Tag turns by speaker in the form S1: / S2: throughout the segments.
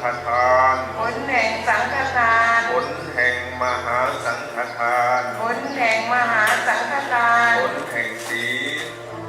S1: ฆทาน
S2: ผลแห่งสังฆทาน
S1: ผลแห่งมหาสังฆทาน
S2: ผลแห่งมหาสังฆทาน
S1: ผลแห่งศีล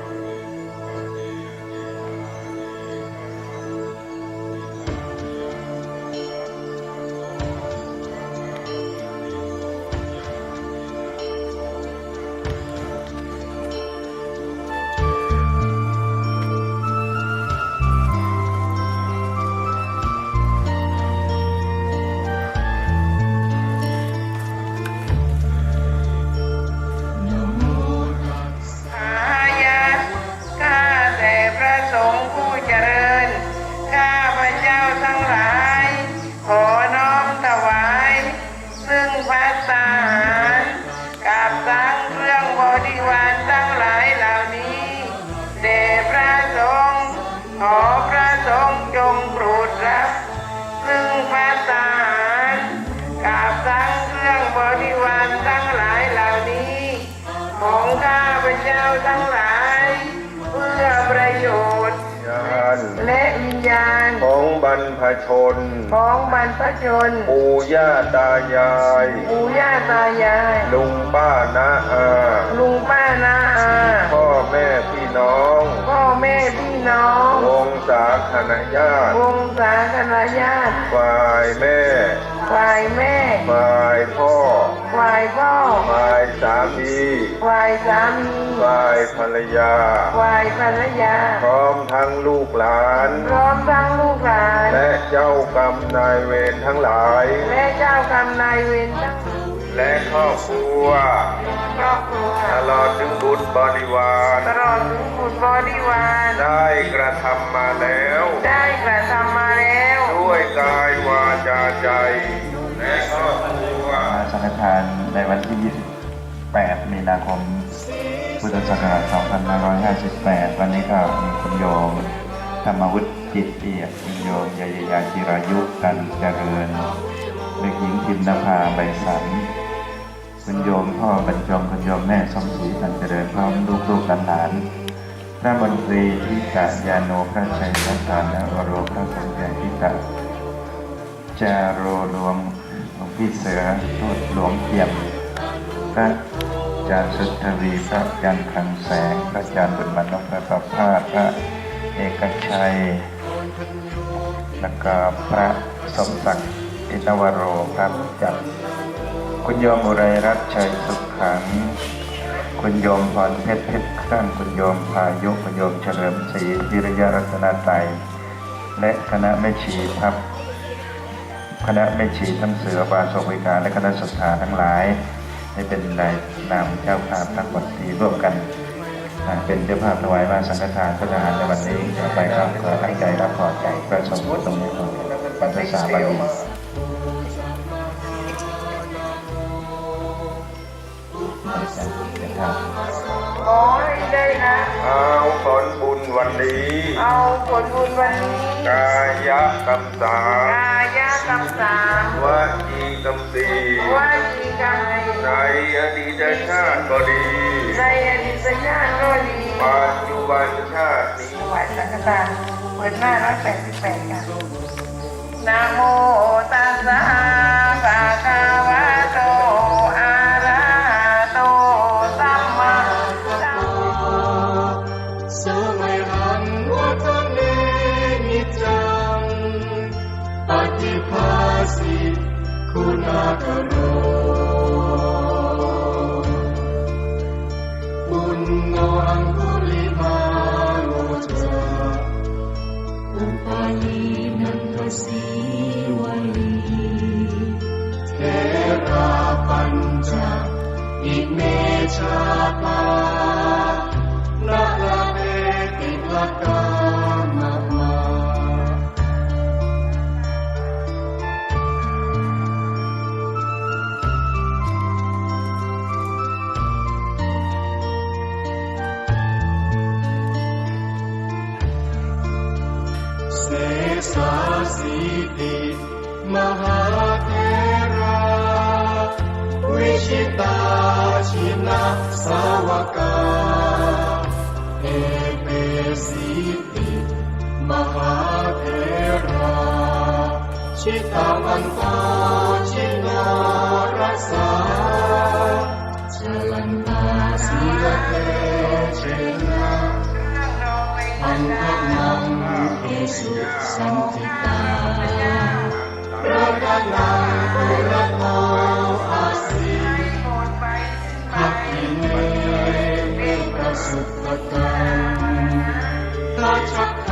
S2: ขอพระสงฆ์จงโปรดรับซึ่งภัตตาหารกับทั้งเครื่องบริวารทั้งหลายเหล่านี้ของข้าพเจ้าทั้งหลายเพื่อประโยชน์และวิญญาณ
S1: ของบรรพชนปู่ย่าตายายลุงป้าน้าอาพ่อแม่พี่น้องวงศาคณาญาติฝ่ายแม่ฝ่ายพ่อฝ่ายสามีฝ่ายภรรยาพร้อมทั้งลูกหลานและเจ้ากรรมนายเวรทั้งหลายและครอบครัวตลอดถึงบุตรบริวารได้กระทำมาแล้วด้วยกายวาจาใจและครอบครัว
S3: สังฆทานในวันที่ 28 มีนาคม พุทธศักราช 2558 วันนี้ก็มีคุณโยมธรรมวุฒิจิตเอียดคุณโยมยาจิรายุกันเจริญเด็กหญิงพิมนภาใบสันคุณโยมพ่อบรรจงคุณโยมแม่สมศรีกันเจริญพร้อมลูกหลานพระมนตรีทิกะยาโนพระชัยรัตนวโรพระสัญญาทิกะจาโรหลวงพี่เสือทูตหลวงเทียมพระอาจารย์สุทธวีพระอาจารย์คลังแสงพระอาจารย์บุญมันนพพระประภาสพระเอกชัยแล้วก็พระสมศักดิ์อินวโรพระจักรคุณโยมอุไรรัตน์ชัยสุขขังคุณโยมพรเพชรเครื่องคุณโยมพายุคุณโยมเฉลิมศรีวิริยรัตนไตรและคณะแม่ชีทัพคณะแม่ชีทั้งเสือบาศกวิการและคณะศรัทธาทั้งหลายให้เป็นนายนามเจ้าภาพทั้งหมดที่ร่วมกันเป็นเจ้าภาพถวายมาสังฆทานพระทหารในวันนี้ต่อไปครับขอตั้งใจรับพรใจประสมมุติตรงนี้ของภาษาบาลี
S2: ขอให้ได้นะ
S1: เอาผลบุญวันนี้กายกรรมสามวจีกรรมสี่ในอดีตชาติก็ดีปัจจุบันชาตินี้
S2: ถวายสังฆทานเปิดหน้า188ค่ะนะโมตัสสะภะคะวะโตอะระหะโตสัมมาสัมพุทธัสสะ
S4: สมัยหังวัฒเนนิจังปฏิภาสิคุณากโรปุณโนอังคุลิมาโลจาอุปาลีนันทสีวลีเทราปัญจอิเมชาปานาลาเปติลกามะมาเสสาสีติมหาเทราวิชิตาชินะสาวกาเอเปสีติมหาเทราชิตาวันโตชิโนรัสสาชลันตาสีลเตเชนะอันทนังเอสุสันติตารัตนังปุระโตอาสีทักขิเนเมประสุทธตังทัช